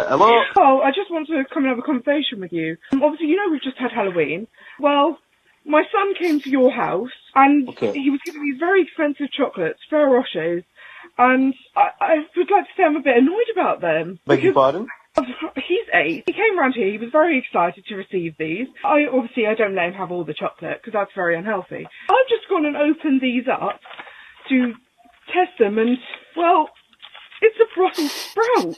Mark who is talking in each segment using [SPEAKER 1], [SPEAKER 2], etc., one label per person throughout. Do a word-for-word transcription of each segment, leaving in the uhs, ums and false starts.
[SPEAKER 1] Hello?
[SPEAKER 2] Oh, I just want to come and have a conversation with you. Um, obviously, you know we've just had Halloween. Well, my son came to your house, and
[SPEAKER 1] Okay.
[SPEAKER 2] he was giving these very expensive chocolates, Ferrero Rochers, and I, I would like to say I'm a bit annoyed about them.
[SPEAKER 1] Beg your
[SPEAKER 2] Because
[SPEAKER 1] pardon?
[SPEAKER 2] he's eight. He came round here. He was very excited to receive these. I obviously I don't let him have all the chocolate because that's very unhealthy. I've just gone and opened these up to test them, and well, it's a Brussels sprout.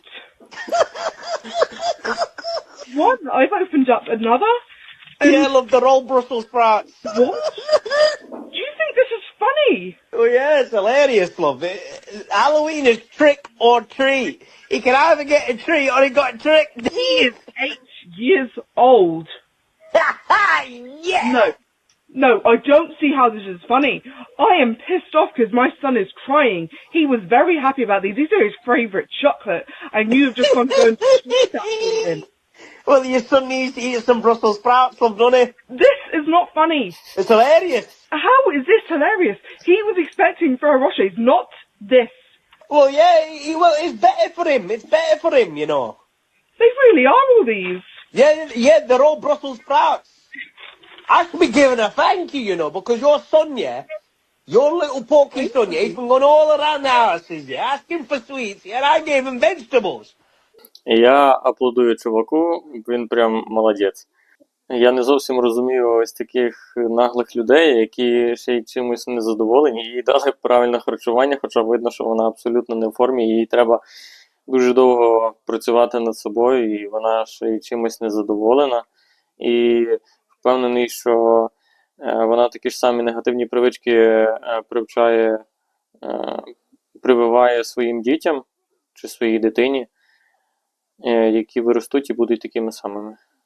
[SPEAKER 2] One, I've opened up another. And
[SPEAKER 1] Yeah, love, they're all Brussels sprouts.
[SPEAKER 2] what? Do you think this is funny?
[SPEAKER 1] Oh yeah, it's hilarious, love. It, it- Halloween is trick or treat. He can either get a treat or he got tricked.
[SPEAKER 2] He is eight years old.
[SPEAKER 1] Yeah!
[SPEAKER 2] No. No, I don't see how this is funny. I am pissed off because my son is crying. He was very happy about these. These are his favourite chocolate. And you have just gone to go and sweet that for him.
[SPEAKER 1] Well, your son needs to eat some Brussels sprouts, love, doesn't he?
[SPEAKER 2] This is not funny.
[SPEAKER 1] It's hilarious.
[SPEAKER 2] How is this hilarious? He was expecting Ferrero Rochers, not this.
[SPEAKER 1] Well, yeah, he, well, it's better for him. It's better for him, you know.
[SPEAKER 2] They really are all these.
[SPEAKER 1] Yeah, yeah, they're all Brussels sprouts. I should be giving a thank you, you know, because your son, yeah, your little pokey son, yeah, he's been going all around the houses, yeah, asking for sweets, yeah, and I gave him vegetables.
[SPEAKER 3] Я аплодую чуваку, він прям молодець. Я не зовсім розумію ось таких наглих людей, які ще й чимось незадоволені. Їй дали правильне харчування, хоча видно, що вона абсолютно не в формі, їй треба дуже довго працювати над собою, і вона ще й чимось незадоволена. І впевнений, що вона такі ж самі негативні привички привчає, прививає своїм дітям чи своїй дитині, які виростуть і будуть такими самими.